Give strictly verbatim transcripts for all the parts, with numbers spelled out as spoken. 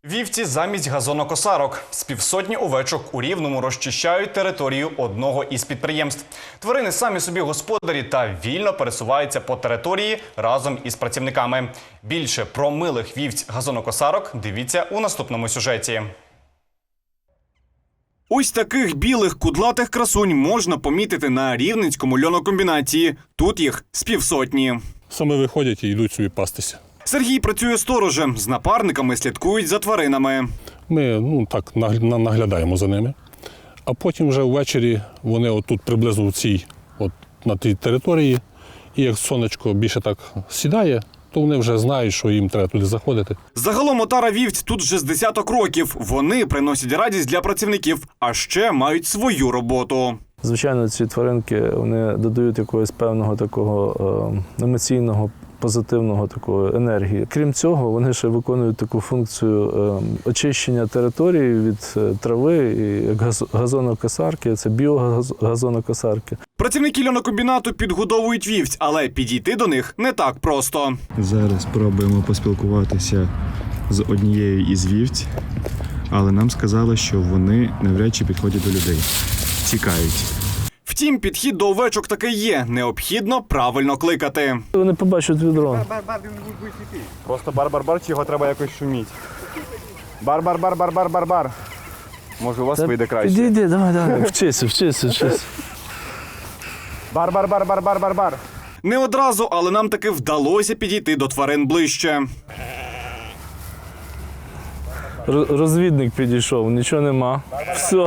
Вівці замість газонокосарок. З півсотні овечок у Рівному розчищають територію одного із підприємств. Тварини самі собі господарі та вільно пересуваються по території разом із працівниками. Більше про милих вівць-газонокосарок дивіться у наступному сюжеті. Ось таких білих кудлатих красунь можна помітити на Рівненському льонокомбінаті. Тут їх з півсотні. Саме виходять і йдуть собі пастися. Сергій працює сторожем. З напарниками слідкують за тваринами. Ми ну, так наглядаємо за ними, а потім вже ввечері вони отут приблизно в цій, от, на тій території, і як сонечко більше так сідає, то вони вже знають, що їм треба туди заходити. Загалом отара вівць тут вже з десяток років. Вони приносять радість для працівників, а ще мають свою роботу. Звичайно, ці тваринки вони додають якогось певного такого е, емоційного, позитивного такого енергії. Крім цього, вони ще виконують таку функцію е, очищення території від е, трави, і як газ, газонокосарки, це біогазонокосарки. Працівники льонокомбінату підгодовують вівць, але підійти до них не так просто. Зараз спробуємо поспілкуватися з однією із вівць, але нам сказали, що вони навряд чи підходять до людей. Тікають. Втім, підхід до овечок таки є. Необхідно правильно кликати. Вони побачать відро. Просто бар-бар-бар, чи його треба якось шуміти? Бар-бар-бар-бар-бар-бар-бар. Може, у вас вийде краще? Підійди, давай, давай. Вчися, вчися, вчися. Бар-бар-бар-бар-бар-бар-бар. Не одразу, але нам таки вдалося підійти до тварин ближче. Розвідник підійшов, нічого нема. Все.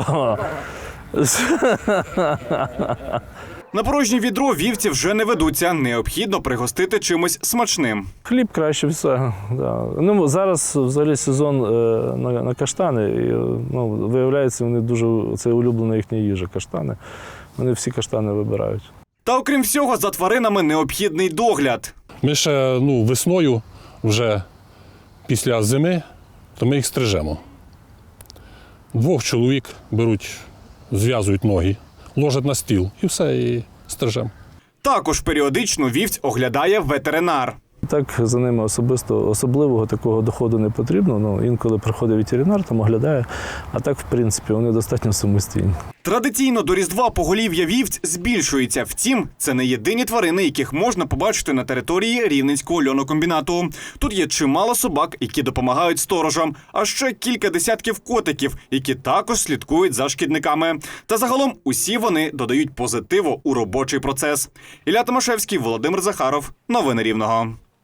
На порожнє відро вівці вже не ведуться. Необхідно пригостити чимось смачним. Хліб краще все. Да. Ну, зараз взагалі сезон е, на, на каштани. І, ну, виявляється, вони дуже, це улюблена їхня їжа, каштани. Вони всі каштани вибирають. Та окрім всього, за тваринами необхідний догляд. Ми ще ну, весною, вже після зими, то ми їх стрижемо. Двох чоловік беруть, зв'язують ноги, ложать на стіл і все, і стрижемо. Також періодично вівць оглядає ветеринар. Так за ними особисто особливого такого доходу не потрібно. Ну, інколи приходить ветеринар, там оглядає, а так, в принципі, вони достатньо самостійні. Традиційно до Різдва поголів'я вівць збільшується. Втім, це не єдині тварини, яких можна побачити на території Рівненського льонокомбінату. Тут є чимало собак, які допомагають сторожам, а ще кілька десятків котиків, які також слідкують за шкідниками. Та загалом усі вони додають позитиву у робочий процес. Ілля Томашевський, Володимир Захаров. Новини Рівного.